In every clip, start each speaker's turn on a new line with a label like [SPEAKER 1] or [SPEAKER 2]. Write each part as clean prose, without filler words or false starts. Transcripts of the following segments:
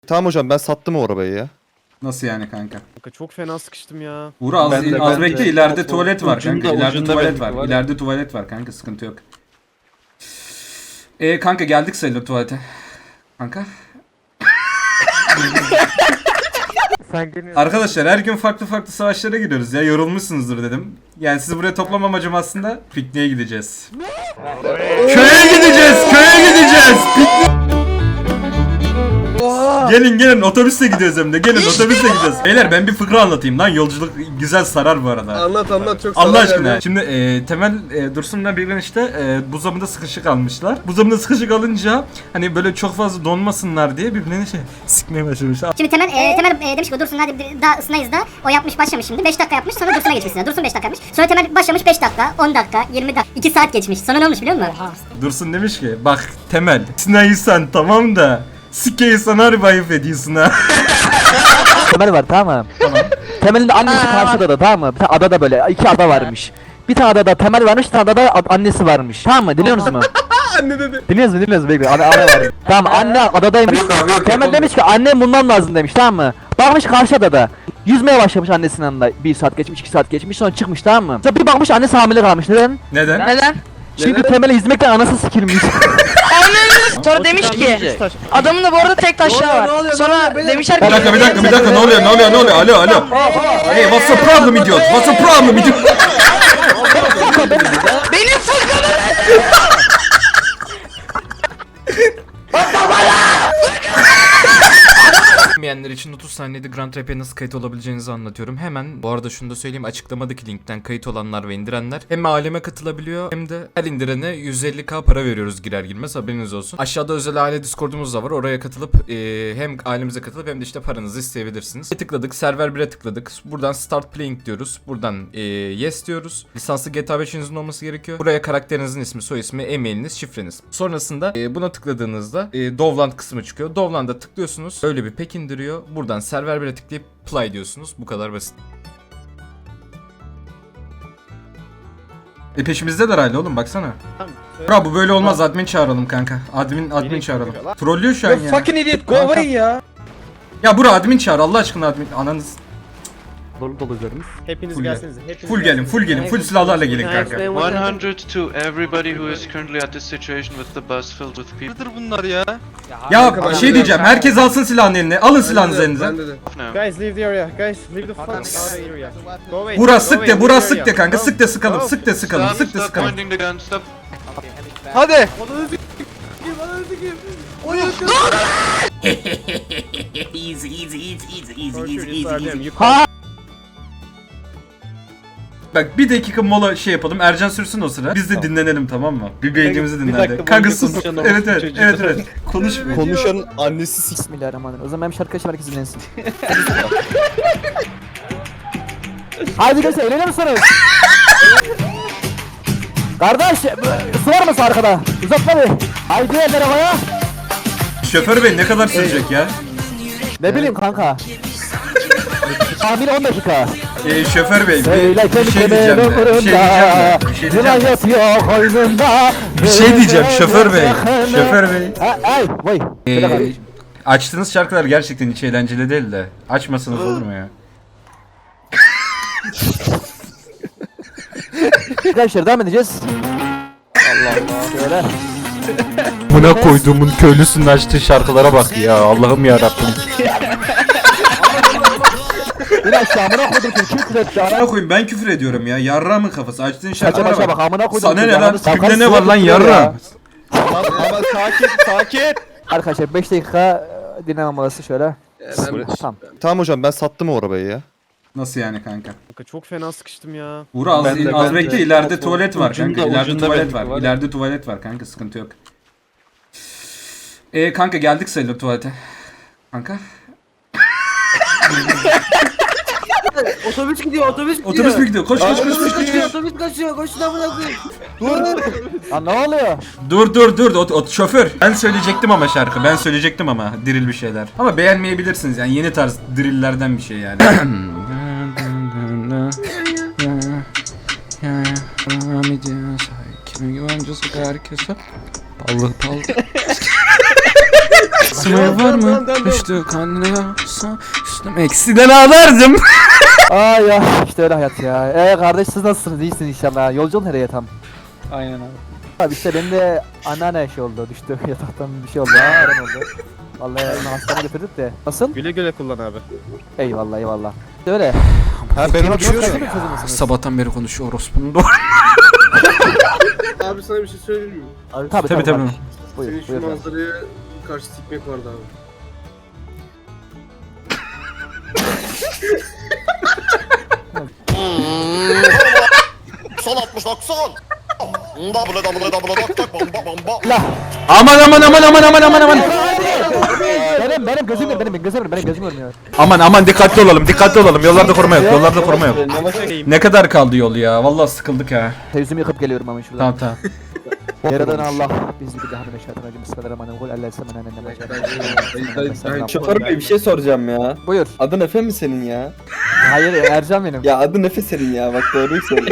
[SPEAKER 1] Tamam hocam ben sattım o arabayı ya.
[SPEAKER 2] Nasıl yani kanka?
[SPEAKER 3] Kanka çok fena sıkıştım ya.
[SPEAKER 2] Uğur az,
[SPEAKER 1] Ben de-
[SPEAKER 2] az
[SPEAKER 1] ben
[SPEAKER 2] bekle,
[SPEAKER 1] de.
[SPEAKER 2] ileride tuvalet var kanka.
[SPEAKER 4] Ucunda-
[SPEAKER 2] İleride
[SPEAKER 4] ucunda
[SPEAKER 2] tuvalet
[SPEAKER 4] benimki
[SPEAKER 2] var.
[SPEAKER 4] var ya.
[SPEAKER 2] İleride tuvalet var kanka, sıkıntı yok. Kanka geldik sayılır tuvalete. Kanka. Arkadaşlar her gün farklı farklı savaşlara giriyoruz ya, yorulmuşsunuzdur dedim. Yani sizi buraya toplam amacım aslında pikniğe gideceğiz. Köye gideceğiz, köye gideceğiz. Gelin otobüsle gidiyoruz hem de. Gelin otobüsle gidiyoruz. Beyler ben bir fıkra anlatayım lan, yolculuk güzel sarar bu arada.
[SPEAKER 5] Anlat çok
[SPEAKER 2] Allah
[SPEAKER 5] sarar
[SPEAKER 2] aşkına.
[SPEAKER 5] yani.
[SPEAKER 2] Şimdi Temel Dursun'la bir gün işte buzdolabında sıkışık almışlar. Buzdolabında sıkışık alınca hani böyle çok fazla donmasınlar diye birbirlerine sikmeye başlamışlar.
[SPEAKER 6] Şimdi Temel demiş ki Dursun hadi daha ısınayız da o yapmış başlamış şimdi 5 dakika yapmış sonra Dursun'a geçmiş. Dursun 5 dakika yapmış. Sonra Temel başlamış 5 dakika 10 dakika 20 dakika 2 saat geçmiş. Sonra ne olmuş biliyor musun?
[SPEAKER 2] Dursun demiş ki bak Temel sinaysan tamam da sikeyi sana harbi ayıp ediyorsun ha.
[SPEAKER 7] Temel var tamam mı? Temel'in de annesi karşı adada tamam mı? Bir tane adada böyle iki ada varmış. Bir tane adada Temel varmış, bir tane adada annesi varmış. Tamam mı? Dinliyorsunuz mu?
[SPEAKER 5] Anne dedi.
[SPEAKER 7] Dinliyorsunuz bekle. Ana var. Tamam anne adadaymış. Temel demiş ki annem bulmam lazım demiş tamam mı? Bakmış karşı adada. Yüzmeye başlamış annesinin yanında. 1 saat geçmiş, 2 saat geçmiş sonra çıkmış tamam mı? Sonra bir bakmış annesi hamile kalmış. Neden?
[SPEAKER 2] Neden?
[SPEAKER 7] Çünkü Temel'e yüzmekten anası sikilmiş.
[SPEAKER 8] Sonra demiş ki adamın da bu arada tek taşları var. Sonra demişler ki
[SPEAKER 2] Bir dakika ne oluyor alo. Hey what's the problem idiot?
[SPEAKER 8] benim fırkanım.
[SPEAKER 9] Bilmeyenler için 30 saniyede Grand Rap'e nasıl kayıt olabileceğinizi anlatıyorum. Hemen bu arada şunu da söyleyeyim, açıklamadaki linkten kayıt olanlar ve indirenler hem aileme katılabiliyor hem de her indirene 150k para veriyoruz girer girmez, haberiniz olsun. Aşağıda özel aile Discord'umuz da var, oraya katılıp hem ailemize katılıp hem de işte paranızı isteyebilirsiniz. Tıkladık, server 1'e tıkladık. Buradan start playing diyoruz. Buradan yes diyoruz. Lisanslı GTA 5'inizin olması gerekiyor. Buraya karakterinizin ismi, soy ismi, e-mailiniz, şifreniz. Sonrasında buna tıkladığınızda Dovland kısmı çıkıyor. Dovland'a tıklıyorsunuz. Öyle bir pek indiriyor. Buradan server 1'e tıklayıp play diyorsunuz. Bu kadar basit.
[SPEAKER 2] Peşimizdeler hala oğlum baksana.
[SPEAKER 3] Tamam.
[SPEAKER 2] Bra bu böyle olmaz, admin çağıralım kanka. Admin çağıralım. Trollüyor şu an ya.
[SPEAKER 4] Fucking idiot, go away ya.
[SPEAKER 2] Ya bura admin çağır Allah aşkına, admin. Ananız.
[SPEAKER 7] Dolu üzerimiz.
[SPEAKER 3] Hepiniz
[SPEAKER 2] Full
[SPEAKER 3] gelseniz. Hepiniz
[SPEAKER 2] full gelin. Full silahlarla gelin kanka.
[SPEAKER 10] 100 to everybody who is currently at this situation with the bus filled with people.
[SPEAKER 4] Nedir bunlar ya?
[SPEAKER 2] Ya şey diyeceğim, herkes alsın silahını eline. Alın silahınızı elinize.
[SPEAKER 5] Ben dedi.
[SPEAKER 10] Now.
[SPEAKER 3] Guys leave the area. Guys leave the fucking area. Go away.
[SPEAKER 2] Bura
[SPEAKER 3] go
[SPEAKER 2] sık
[SPEAKER 3] away,
[SPEAKER 2] de,
[SPEAKER 3] leave
[SPEAKER 2] bura
[SPEAKER 3] the
[SPEAKER 2] sık
[SPEAKER 3] area.
[SPEAKER 2] de kanka.
[SPEAKER 3] Go.
[SPEAKER 2] Sık de sıkalım,
[SPEAKER 3] Go.
[SPEAKER 2] sık de sıkalım,
[SPEAKER 10] Stop,
[SPEAKER 2] sık de
[SPEAKER 10] stop
[SPEAKER 2] sıkalım.
[SPEAKER 10] pointing the gun, stop.
[SPEAKER 4] Hadi.
[SPEAKER 3] For sure, just start them. You
[SPEAKER 2] Bak bir dakika mola şey yapalım. Ercan sürsün o sıra. Biz de dinlenelim tamam mı? Bir beynimizi
[SPEAKER 4] dakika
[SPEAKER 2] dinlendi.
[SPEAKER 4] boyunca
[SPEAKER 2] Kanka sus.
[SPEAKER 4] konuşan
[SPEAKER 2] Evet
[SPEAKER 4] orospu çocuğu.
[SPEAKER 2] evet. Konuşmuyor.
[SPEAKER 1] Konuşan annesi sik.
[SPEAKER 7] Bismillahirrahmanirrahim. O zaman ben bir şarkı açayım herkes dinlensin. Haydi göster eğleniyor musunuz? Kardeş su var mı arkada? Uzatma bir. Haydi eller havaya.
[SPEAKER 2] Şoför bey ne kadar sürecek ya?
[SPEAKER 7] Ne bileyim kanka. Tahmin 10 dakika.
[SPEAKER 2] Şoför bey
[SPEAKER 7] Söyle
[SPEAKER 2] bir şey diyeceğim de.
[SPEAKER 7] Yılan yatıyor koynunda.
[SPEAKER 2] Bir şey diyeceğim şoför bey. Şoför bey.
[SPEAKER 7] Ay vay. Söyle kardeşim.
[SPEAKER 2] Açtığınız şarkılar gerçekten hiç eğlenceli değil de. Açmasanız olur mu ya?
[SPEAKER 7] Arkadaşlar devam edeceğiz. Allah Allah. Şöyle.
[SPEAKER 9] Buna koyduğumun köylüsünün açtığı şarkılara bak ya, Allah'ım ya Rabbim.
[SPEAKER 7] İn aşağı amına koydum kim küfür etti
[SPEAKER 2] Amına
[SPEAKER 7] ana.
[SPEAKER 2] koyayım ben küfür ediyorum ya. Yarrağımın kafası. Açtığın
[SPEAKER 7] Kaça
[SPEAKER 2] şarkılara
[SPEAKER 7] kaça
[SPEAKER 2] bak.
[SPEAKER 7] bak amına koydum.
[SPEAKER 2] Sana ne
[SPEAKER 7] çocuğu,
[SPEAKER 2] lan?
[SPEAKER 7] ananı sakarım,
[SPEAKER 2] Tipinde ne var lan
[SPEAKER 7] size
[SPEAKER 2] yarrağım?
[SPEAKER 4] Ama sakin.
[SPEAKER 7] Arkadaşlar 5 dakika dinleme molası şöyle. Tamam.
[SPEAKER 1] Tamam hocam ben sattım o arabayı ya.
[SPEAKER 2] Nasıl yani kanka?
[SPEAKER 3] Kanka çok fena sıkıştım ya.
[SPEAKER 2] Uğur az,
[SPEAKER 1] Ben de-
[SPEAKER 2] az
[SPEAKER 1] ben
[SPEAKER 2] bekle,
[SPEAKER 1] de.
[SPEAKER 2] ileride tuvalet var kanka.
[SPEAKER 4] Ucunda-
[SPEAKER 2] İleride
[SPEAKER 4] ucunda
[SPEAKER 2] tuvalet
[SPEAKER 4] benimki
[SPEAKER 2] var.
[SPEAKER 4] var.
[SPEAKER 2] İleride tuvalet var kanka, sıkıntı yok. Kanka geldik sayılır tuvalete. Kanka.
[SPEAKER 5] Otobüs gidiyor.
[SPEAKER 2] Otobüs mü gidiyor? Koş.
[SPEAKER 5] Otobüs kaçıyor. Koşun amına koyayım.
[SPEAKER 7] Lan ne oluyor?
[SPEAKER 2] Dur. Şoför. Ben söyleyecektim ama diril bir şeyler. Ama beğenmeyebilirsiniz yani, yeni tarz drillerden bir şey yani.
[SPEAKER 9] Kimi güvencesi herkese. Ballı. Smile var mı? Düştü kanına. Üstüm eksiden ağlardım.
[SPEAKER 7] Aa ya işte öyle hayat ya. Kardeş siz nasılsınız? İyisiniz inşallah. Yolculuğun nereye tam?
[SPEAKER 4] Aynen abi.
[SPEAKER 7] Abi işte benim de anneanne şey oldu. Düştü yataktan bir şey oldu. Aren oldu. Vallahi onu hastaneye götürdük de. Nasıl?
[SPEAKER 3] Güle güle kullan abi.
[SPEAKER 7] Eyvallah eyvallah. İşte öyle.
[SPEAKER 1] Ha ben uçuyorum.
[SPEAKER 9] Sabahtan beri konuşuyor orospunun doğru.
[SPEAKER 5] Abi sana bir şey söyleyeyim mi?
[SPEAKER 7] Tabii
[SPEAKER 9] Tabii tabii.
[SPEAKER 7] Buyur,
[SPEAKER 5] Senin şu
[SPEAKER 7] buyur.
[SPEAKER 5] manzaraya karşı tikmek vardı abi.
[SPEAKER 11] Son 60 90. Double double double bomba bomba.
[SPEAKER 9] Aman aman aman aman aman aman aman.
[SPEAKER 7] Benim gözüm görmüyor.
[SPEAKER 9] Aman dikkatli olalım. Yollarda koruma yok. Ne kadar kaldı yol ya? Vallahi sıkıldık ha.
[SPEAKER 7] Yüzümü yıkıp geliyorum ama şuradan.
[SPEAKER 9] Tamam.
[SPEAKER 7] Yaradan Allah bizi bir daha meşaatına bismillahirrahmanirrahim. Allah semen
[SPEAKER 4] Şoför bey bir şey soracağım ya.
[SPEAKER 7] Buyur.
[SPEAKER 4] Adın Efe mi senin ya?
[SPEAKER 7] Hayır Ercan benim.
[SPEAKER 4] Ya adın Efe senin ya bak doğruyu söyle.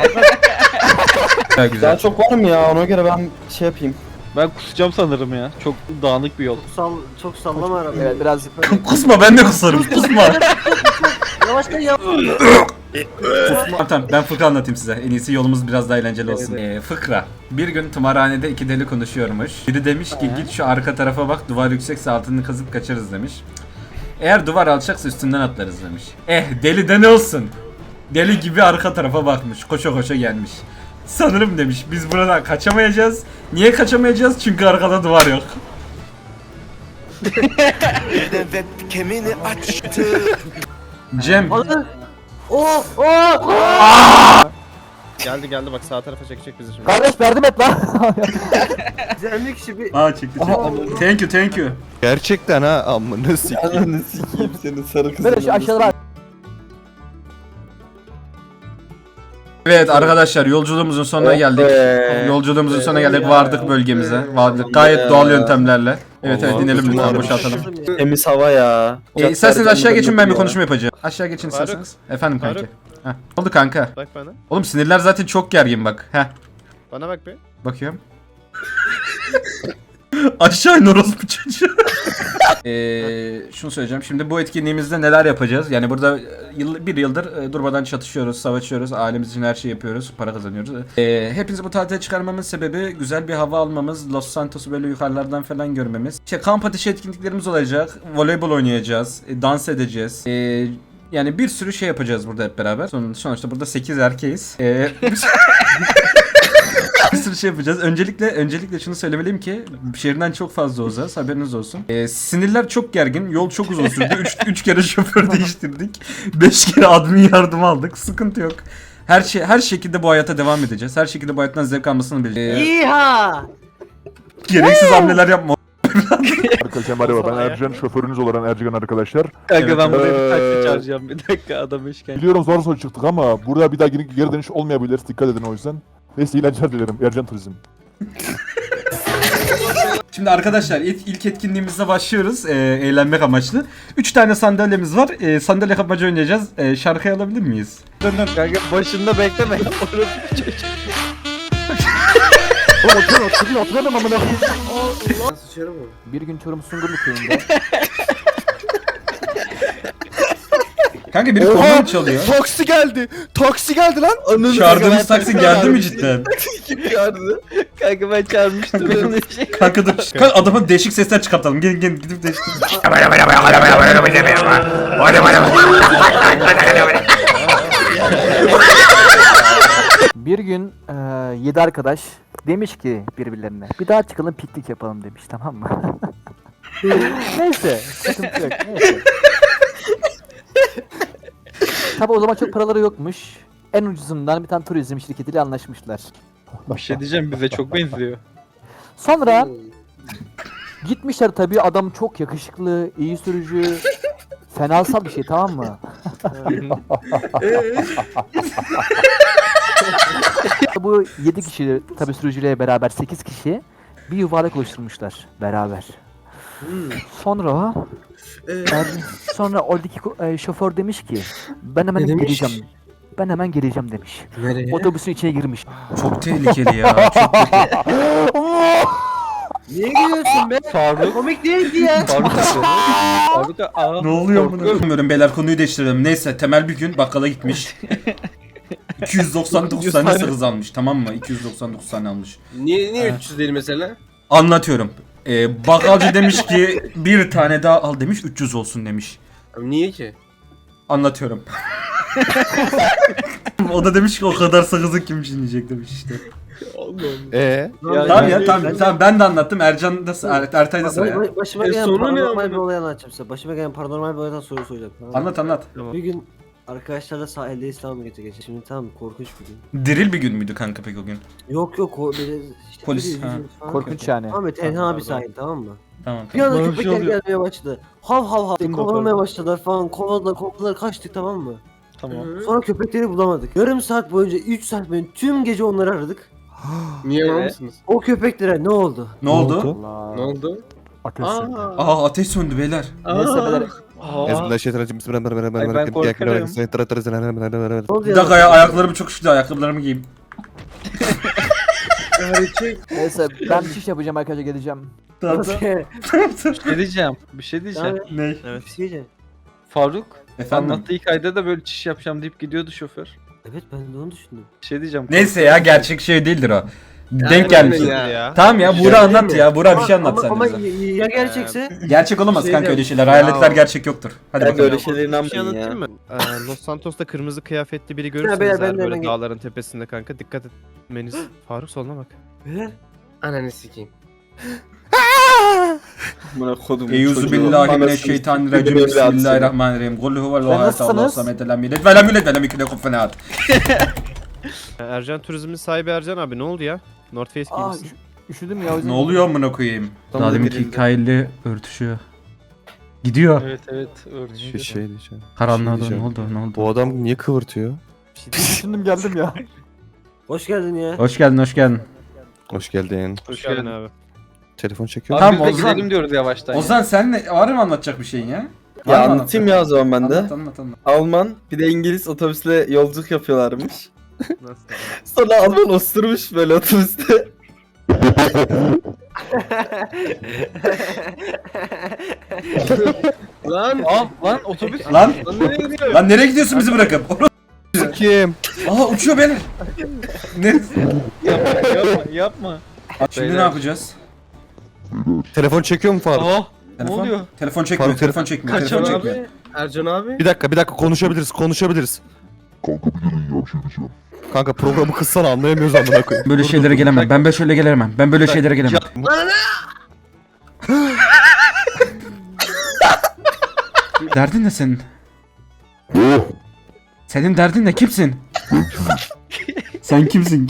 [SPEAKER 9] Güzel.
[SPEAKER 4] Daha çok var mı ya ona göre ben şey yapayım.
[SPEAKER 12] Ben kusacağım sanırım ya. Çok dağınık bir yol.
[SPEAKER 5] Çok sallama arabayı.
[SPEAKER 7] Evet biraz
[SPEAKER 9] Kusma, ben de kusarım. Kusma.
[SPEAKER 5] Yavaştan yap.
[SPEAKER 9] Tamam ben fıkra anlatayım size. En iyisi yolumuz biraz daha eğlenceli olsun. Fıkra. Bir gün tımarhanede iki deli konuşuyormuş. Biri demiş ki git şu arka tarafa bak, duvar yüksekse altını kazıp kaçarız demiş. Eğer duvar alçaksa üstünden atlarız demiş. Deli de ne olsun? Deli gibi arka tarafa bakmış. Koşa koşa gelmiş. Sanırım demiş biz buradan kaçamayacağız. Niye kaçamayacağız? Çünkü arkada duvar yok.
[SPEAKER 11] Kemini açtı.
[SPEAKER 9] Cem.
[SPEAKER 3] Geldi bak sağ tarafa çekecek bizi şimdi.
[SPEAKER 7] kardeş yardım et lan.
[SPEAKER 5] Güzellik kişi bir...
[SPEAKER 9] Çekti. Thank you.
[SPEAKER 1] Gerçekten ha amına sikeyim.
[SPEAKER 4] Ananı sikeyim senin sarı kızın.
[SPEAKER 7] Böyle şu aşağıda
[SPEAKER 9] Evet arkadaşlar yolculuğumuzun sonuna geldik. Yolculuğumuzun sonuna geldik. Vardık bölgemize. Vardık gayet doğal yöntemlerle. Evet inelim lütfen, boşaltalım.
[SPEAKER 4] Temiz hava ya.
[SPEAKER 9] İsterseniz aşağı geçin, ben bir konuşma yapacağım. Aşağı geçin isterseniz. Efendim kanka.
[SPEAKER 3] Faruk.
[SPEAKER 9] Heh. Ne oldu kanka?
[SPEAKER 3] Bak bana.
[SPEAKER 9] Oğlum sinirler zaten çok gergin bak. Heh.
[SPEAKER 3] Bana bak be.
[SPEAKER 9] Bakıyorum. Aşağı in orospu çocuğu. Şunu söyleyeceğim. Şimdi bu etkinliğimizde neler yapacağız? Yani burada bir yıldır durmadan çatışıyoruz, savaşıyoruz. Ailemiz için her şeyi yapıyoruz. Para kazanıyoruz. Hepinizi bu tatile çıkarmamın sebebi güzel bir hava almamız. Los Santos'u böyle yukarılardan falan görmemiz. İşte kamp ateşi etkinliklerimiz olacak. Voleybol oynayacağız. Dans edeceğiz. Yani bir sürü şey yapacağız burada hep beraber. Sonuçta burada 8 erkeğiz. Bir sürü şey yapacağız. Öncelikle şunu söylemeliyim ki şehirden çok fazla uzağız, haberiniz olsun. Sinirler çok gergin, yol çok uzun sürdü. 3 kere şoför değiştirdik. 5 kere admin yardım aldık. Sıkıntı yok. Her şekilde bu hayata devam edeceğiz. Her şekilde bu hayattan zevk almasını bileceğiz.
[SPEAKER 5] İha!
[SPEAKER 9] Gereksiz hamleler yapma.
[SPEAKER 12] Arkadaşlar merhaba, ben Ercan, şoförünüz olan Ercan arkadaşlar.
[SPEAKER 4] Kanka ben buraya bir
[SPEAKER 12] taksi
[SPEAKER 4] çağıracağım. Bir dakika adam işken.
[SPEAKER 12] Biliyorum zor sonuç çıktık ama burada bir daha geri dönüş olmayabilir, dikkat edin o yüzden. Neyse eğlenceler dilerim, Ercan Turizm.
[SPEAKER 9] Şimdi arkadaşlar ilk etkinliğimizde başlıyoruz. Eğlenmek amaçlı. 3 tane sandalyemiz var. Sandalye kapmaca oynayacağız. Şarkıyı alabilir miyiz?
[SPEAKER 4] Kanka başında bekleme.
[SPEAKER 7] oturalım amına.
[SPEAKER 5] Sıçarım mı?
[SPEAKER 7] Bir gün Çorum Sungurlu köyünde.
[SPEAKER 9] Kanka biri korna çalıyor.
[SPEAKER 1] Taksi geldi lan.
[SPEAKER 9] Çağırdığımız taksi geldi mi cidden?
[SPEAKER 4] Kim çağırdı? Kanka ben çağırmıştım.
[SPEAKER 9] Kanka dur. Kanka adamın değişik sesler çıkartalım. Gel gidip değişik.
[SPEAKER 7] Bir gün 7 arkadaş demiş ki birbirlerine bir daha çıkalım piknik yapalım demiş, tamam mı? Neyse sıkıntı yok, neyse. Tabi o zaman çok paraları yokmuş. En ucuzundan bir tane turizm şirketiyle anlaşmışlar.
[SPEAKER 4] Bir şey diyeceğim bize çok benziyor.
[SPEAKER 7] Sonra gitmişler, tabii adam çok yakışıklı, iyi sürücü, fenasal bir şey, tamam mı? Bu 7 kişi tabii sürücüyle beraber 8 kişi bir yuvarlak oluşturmuşlar beraber. Sonra sonra oradaki şoför demiş ki ben hemen geleceğim. Ben hemen geleceğim demiş.
[SPEAKER 5] Nereye?
[SPEAKER 7] Otobüsün içine girmiş.
[SPEAKER 9] Çok tehlikeli ya. Çok tehlikeli.
[SPEAKER 5] Niye gülüyorsun be?
[SPEAKER 4] Faruk.
[SPEAKER 5] Komik değildi ya.
[SPEAKER 4] Faruk abi. Faruk abi. Aa,
[SPEAKER 2] Ne oluyor bunu? Bilmiyorum beyler, konuyu değiştirelim. Neyse, Temel bir gün bakkala gitmiş. 299 tane sakız almış, tamam mı? 299 tane almış.
[SPEAKER 5] Niye 300 değil mesela?
[SPEAKER 2] Anlatıyorum. Bakkalcı demiş ki bir tane daha al demiş, 300 olsun demiş.
[SPEAKER 5] Niye ki?
[SPEAKER 2] Anlatıyorum. O da demiş ki o kadar sakızı kim çiğneyecek demiş işte. Tamam ya, tamam ben de anlattım. Ercan da Ertay da sıra ya.
[SPEAKER 5] Başıma gelen paranormal bir olay anlatacağım size. Başıma gelen paranormal bir olaydan soru soracağım. Tamam mı?
[SPEAKER 2] Anlat.
[SPEAKER 5] Bir gün arkadaşlarla sahilde İstanbul'a geçeceğiz. Şimdi tamam korkunç bir gün.
[SPEAKER 2] Diril bir gün müydü kanka peki o gün?
[SPEAKER 5] Yok böyle işte
[SPEAKER 2] Polis,
[SPEAKER 5] böyle
[SPEAKER 2] ha.
[SPEAKER 5] yüzümüz falan.
[SPEAKER 7] Korkunç yani.
[SPEAKER 5] Ama tenha bir sahil, tamam mı?
[SPEAKER 2] Tamam.
[SPEAKER 5] Bir anda
[SPEAKER 4] Bana bir
[SPEAKER 5] köpekler
[SPEAKER 4] şey oluyor.
[SPEAKER 5] gelmeye başladı. Hav hav hav kovalamaya başladılar falan. Kovaladılar kaçtık, tamam mı?
[SPEAKER 4] Tamam.
[SPEAKER 5] Sonra köpekleri bulamadık. Yarım saat boyunca 3 saat boyunca tüm gece onları aradık.
[SPEAKER 4] Niye var mısınız?
[SPEAKER 5] O köpeklere ne oldu?
[SPEAKER 2] Ne oldu?
[SPEAKER 4] Ne oldu?
[SPEAKER 12] Arkadaşlar.
[SPEAKER 2] Aa, ateş söndü beyler.
[SPEAKER 7] Neyse beyler.
[SPEAKER 4] Ay, ben korkarım.
[SPEAKER 5] Ne oldu
[SPEAKER 2] Bir dakika ya, ayaklarım çok üşüdü, ayakkabılarımı giyeyim.
[SPEAKER 7] Neyse ben bir şey yapacağım arkadaşlar geleceğim.
[SPEAKER 2] Tamam.
[SPEAKER 4] Bir şey diyeceğim.
[SPEAKER 2] Ne?
[SPEAKER 5] Evet. Bir şey diyeceğim.
[SPEAKER 4] Faruk
[SPEAKER 2] Efendim?
[SPEAKER 4] anlattığı hikayede de böyle çiş yapacağım deyip gidiyordu şoför.
[SPEAKER 5] Evet, ben de onu düşündüm.
[SPEAKER 4] Bir şey diyeceğim.
[SPEAKER 2] Neyse ya, gerçek şey değildir o. Denk gelmiş.
[SPEAKER 3] Ya.
[SPEAKER 2] Tamam ya, Buğra anlat ya. Buğra bir şey anlat sen
[SPEAKER 5] Ama
[SPEAKER 2] bize.
[SPEAKER 5] ya gerçekse?
[SPEAKER 2] Gerçek olamaz
[SPEAKER 5] şey
[SPEAKER 2] kanka öyle
[SPEAKER 5] diyeceğim.
[SPEAKER 2] şeyler. Hayaletler gerçek yoktur. Hadi bakalım.
[SPEAKER 4] Böyle şeylere
[SPEAKER 3] Bir şey
[SPEAKER 4] inanmayın
[SPEAKER 3] anlatayım
[SPEAKER 4] ya.
[SPEAKER 3] mı? Los Santos'ta kırmızı kıyafetli biri
[SPEAKER 5] beyler,
[SPEAKER 3] görürseniz
[SPEAKER 5] ben
[SPEAKER 3] eğer
[SPEAKER 5] de
[SPEAKER 3] böyle
[SPEAKER 5] hemen
[SPEAKER 3] dağların tepesinde kanka dikkat etmeniz. Faruk soluna bak.
[SPEAKER 5] Beyler. Ananı sikeyim.
[SPEAKER 4] Buna kodum.
[SPEAKER 2] Eyüzü billahi mineşşeytanirracim. Bismillahirrahmanirrahim. Kul huvallahu ahad. Allahu
[SPEAKER 7] nasılsınız?
[SPEAKER 2] samed. Lem yelid ve lem yulad ve lem yekun lehu kufuven ahad.
[SPEAKER 3] Ercan Turizm'in sahibi Ercan abi ne oldu ya? North Face
[SPEAKER 7] Aa
[SPEAKER 3] giymişsin.
[SPEAKER 7] üşüdüm ya o yüzden.
[SPEAKER 2] Ne oluyor amına koyayım?
[SPEAKER 3] Daha deminki
[SPEAKER 2] hikayeyle örtüşüyor. Gidiyor.
[SPEAKER 4] Evet örtüşüyor.
[SPEAKER 1] Şey diyeceğim.
[SPEAKER 2] Karanlığa
[SPEAKER 1] Şey diyeceğim.
[SPEAKER 2] Ne oldu?
[SPEAKER 1] Bu adam niye kıvırtıyor?
[SPEAKER 7] Düşündüm geldim ya.
[SPEAKER 5] Hoş geldin ya.
[SPEAKER 2] Hoş geldin.
[SPEAKER 1] Hoş geldin.
[SPEAKER 3] Hoş geldin abi.
[SPEAKER 1] Telefon çekiyor.
[SPEAKER 2] Tamam,
[SPEAKER 4] Tamam biz de
[SPEAKER 2] Ozan.
[SPEAKER 4] gidelim diyoruz yavaştan.
[SPEAKER 2] Ozan sen ne? Var mı anlatacak bir şeyin ya?
[SPEAKER 13] Ya anlatayım ya o zaman ben de.
[SPEAKER 2] Anlat.
[SPEAKER 13] Alman bir de İngiliz otobüsle yolculuk yapıyorlarmış.
[SPEAKER 3] Nasıl?
[SPEAKER 13] Sonra Alman osturmuş böyle otobüste.
[SPEAKER 5] Lan.
[SPEAKER 4] Lan otobüs.
[SPEAKER 2] Lan
[SPEAKER 5] Nereye gidiyor?
[SPEAKER 2] lan nereye gidiyorsun bizi bırakıp?
[SPEAKER 1] Kim?
[SPEAKER 2] Aa, uçuyor beyler. Ne?
[SPEAKER 4] Yapma.
[SPEAKER 2] Şimdi ne yapacağız?
[SPEAKER 1] Telefon çekiyor mu Faruk?
[SPEAKER 4] Ne
[SPEAKER 2] Telefon?
[SPEAKER 4] oluyor?
[SPEAKER 2] Telefon çekmiyor.
[SPEAKER 1] Faruk,
[SPEAKER 2] Telefon çekmiyor.
[SPEAKER 4] Kaçalım
[SPEAKER 2] Telefon çekmiyor.
[SPEAKER 5] Abi. Ercan abi.
[SPEAKER 1] Bir dakika konuşabiliriz. Kanka programı kıssana, anlayamıyoruz amına koyayım.
[SPEAKER 2] Böyle şeylere gelemem. Ben böyle şeylere gelemem. Ben böyle şeylere gelemem. Derdin ne senin? Senin derdin ne? Kimsin? Sen kimsin?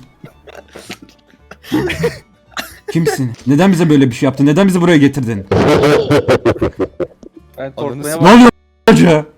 [SPEAKER 2] Kimsin? Neden bize böyle bir şey yaptın? Neden bizi buraya getirdin?
[SPEAKER 4] Ben korkmaya
[SPEAKER 2] Ne oluyor hoca?